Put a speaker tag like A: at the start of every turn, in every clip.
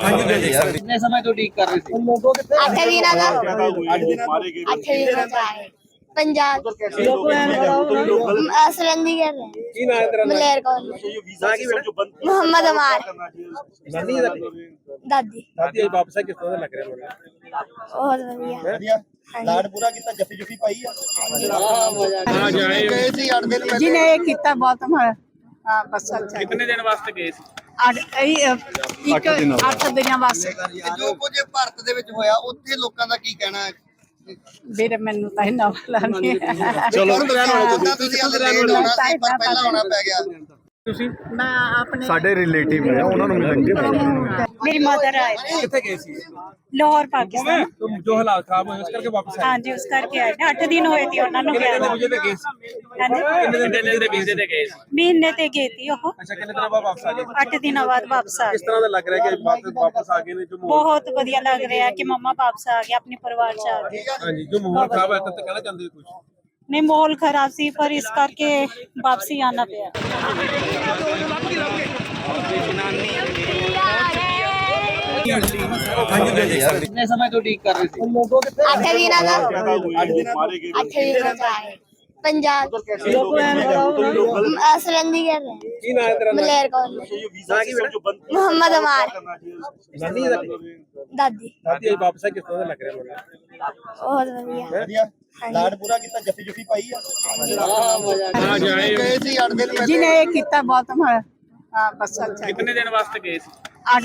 A: कितने समय तो ठीक कर रहे थे?
B: 8 ਦਿਨਾਂ ਦਾ 8 ਦਿਨਾਂ ਦਾ ਹੈ ਪੰਜਾਬ असलंदी कर रहे हैं मलेर कॉलेज मोहम्मद अमार दादी
A: वापस किस तरह लग रहा है?
B: बहुत बढ़िया
C: ਲਾਡ ਪੂਰਾ ਕੀਤਾ ਜੱਫੀ ਜੁਫੀ ਪਾਈ ਆ ਗਏ ਸੀ 8 ਦਿਨ ਪਹਿਲੇ
D: जिन्हें ये कितना बहुत हाँ बस अच्छा
A: कितने दिन वास्ते गए थे?
D: 8 ਦਿਨਾਂ ਵਾਸਤੇ
C: ਜੋ ਕੁਝ ਭਾਰਤ ਦੇ ਵਿੱਚ ਹੋਇਆ ਉੱਥੇ ਲੋਕਾਂ ਦਾ ਕੀ ਕਹਿਣਾ ਹੈ
D: ਵੀਰੇ ਮੈਨੂੰ ਤਾਂ ਇਹਨਾਂ ਵਾਲਾ ਨਹੀਂ ਹੈ।
C: ਚਲੋ ਤੁਸੀਂ ਲੇਟ ਹੋਣਾ ਸੀ ਪਰ ਪਹਿਲਾਂ ਆਉਣਾ ਪੈ ਗਿਆ
D: ਮੈਂ ਆਪਣੇ
E: ਸਾਡੇ ਰਿਲੇਟਿਵ ਨੇ ਉਹਨਾਂ ਨੂੰ ਮਿਲਣਗੇ
D: मेरी मदर आए
A: कितने गए थे?
D: लाहौर पाकिस्तान
A: तो जो हालात खराब हुए उस करके वापस आए?
D: हाँ जी उस करके आए 8 दिन होए थे ਉਹਨਾਂ ਨੂੰ
A: कितने
D: ਗਿਆ
A: दिन मुझे ते गए थे?
D: हाँ जी
A: कितने दिन ਦੇ ਵੀਜ਼ੇ ਤੇ ਗਏ ਸੀ?
D: ਮਹੀਨੇ ਤੇ ਗਈ थी ਉਹ
A: ਅੱਛਾ ਕਿੰਨੇ ਦਿਨਾਂ ਬਾਅਦ ਵਾਪਸ ਆ ਗਏ?
D: 8 ਦਿਨਾਂ ਬਾਅਦ ਵਾਪਸ ਆ
A: ਕਿਸ
D: ਗਏ
A: ਤਰ੍ਹਾਂ ਦਾ ਲੱਗ ਰਿਹਾ ਕਿ ਵਾਪਸ ਆ ਗਏ ਨੇ ਜੋ ਮਾਹੌਲ
D: ਬਹੁਤ ਵਧੀਆ ਲੱਗ ਰਿਹਾ ਕਿ ਮੰਮਾ ਵਾਪਸ ਆ ਗਏ ਆਪਣੇ ਪਰਿਵਾਰ ਚ ਆ ਗਏ
A: ਹਾਂਜੀ ਜੋ ਮਾਹੌਲ ਖਰਾਬ ਹੈ ਤਾਂ ਕਹਿਣਾ ਚਾਹੁੰਦੇ ਹੋ ਕੁਝ?
D: ਨਹੀਂ ਮਾਹੌਲ ਖਰਾਬ ਸੀ ਪਰ ਇਸ ਕਰਕੇ ਵਾਪਸੀ ਆਣਾ ਪਿਆ
A: कितने समय तो ठीक कर रहे थे?
B: 8 ਦਿਨਾਂ ਦਾ 8 ਦਿਨਾਂ ਦਾ ਹੈ ਪੰਜਾਬ असलंदी कर रहे हैं
A: ਕੀ ਨਾਮ ਹੈ ਤੇਰਾ?
B: मलेर कॉलेज मोहम्मद अमार दादी
A: ਸਾਥੀ ਵਾਪਸ ਕਿਸ ਤਰ੍ਹਾਂ ਦਾ ਲੱਗ ਰਿਹਾ ਹੈ?
B: बहुत बढ़िया
C: ਵਧੀਆ ਲਾਡ ਪੂਰਾ ਕੀਤਾ ਜੱਫੀ ਜੁਫੀ ਪਾਈ ਆ ਗਏ ਸੀ 8 ਦਿਨ ਪਹਿਲੇ
D: जिन्हें ये कितना बहुत हाँ बस अच्छा
A: ਕਿੰਨੇ ਦਿਨ ਵਾਸਤੇ ਗਏ ਸੀ?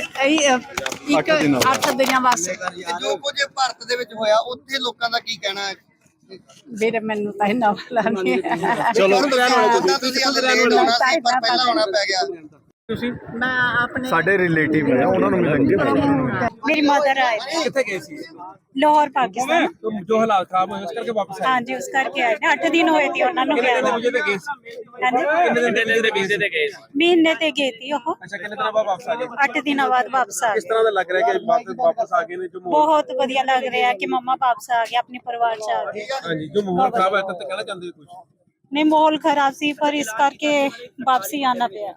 D: 8 ਦਿਨਾਂ ਵਾਸਤੇ
C: ਜੋ ਕੁਝ ਭਾਰਤ ਦੇ ਵਿੱਚ ਹੋਇਆ ਉੱਥੇ ਲੋਕਾਂ ਦਾ ਕੀ ਕਹਿਣਾ ਹੈ
D: ਵੀਰੇ ਮੈਨੂੰ ਤਾਂ ਇਹਨਾਂ ਵਾਲਾ ਨਹੀਂ ਹੈ।
C: ਚਲੋ ਤੁਸੀਂ ਲੇਟ ਹੋਣਾ ਸੀ ਪਰ ਪਹਿਲਾਂ ਆਉਣਾ ਪੈ ਗਿਆ
A: ਤੁਸੀਂ
D: ਮੈਂ ਆਪਣੇ
E: ਸਾਡੇ ਰਿਲੇਟਿਵ ਨੇ ਉਹਨਾਂ ਨੂੰ ਮਿਲਣਗੇ
D: मेरी मदर आए
A: ਕਿੱਥੇ ਗਏ ਸੀ?
D: लाहौर पाकिस्तान
A: तो जो हालात खराब हुए उस करके वापस आए?
D: हाँ जी उस करके आए 8 दिन होए थे ਉਹਨਾਂ ਨੂੰ
A: कितने
D: ਗਿਆ
A: दिन मुझे ते गए ਸੀ?
D: हाँ जी
A: कितने दिन ਦੇ ਵੀਜ਼ੇ ਤੇ ਗਏ ਸੀ?
D: ਮਹੀਨੇ ਤੇ ਗਈ थी ਉਹ
A: ਅੱਛਾ ਕਿੰਨੇ ਦਿਨਾਂ ਬਾਅਦ ਵਾਪਸ ਆ ਗਏ?
D: 8 ਦਿਨਾਂ ਬਾਅਦ ਵਾਪਸ ਆ
A: ਕਿਸ
D: ਗਏ
A: ਤਰ੍ਹਾਂ ਦਾ ਲੱਗ ਰਿਹਾ ਕਿ ਵਾਪਸ ਆ ਗਏ ਨੇ ਜੋ ਮਾਹੌਲ
D: ਬਹੁਤ ਵਧੀਆ ਲੱਗ ਰਿਹਾ ਕਿ ਮੰਮਾ ਵਾਪਸ ਆ ਗਏ ਆਪਣੇ ਪਰਿਵਾਰ ਚ ਆ ਗਏ
A: ਹਾਂਜੀ ਜੋ ਮਾਹੌਲ ਖਰਾਬ ਹੈ ਤਾਂ ਕਹਿਣਾ ਚਾਹੁੰਦੇ ਹੋ ਕੁਝ?
D: ਨਹੀਂ ਮਾਹੌਲ ਖਰਾਬ ਸੀ ਪਰ ਇਸ ਕਰਕੇ ਵਾਪਸੀ ਆਣਾ ਪਿਆ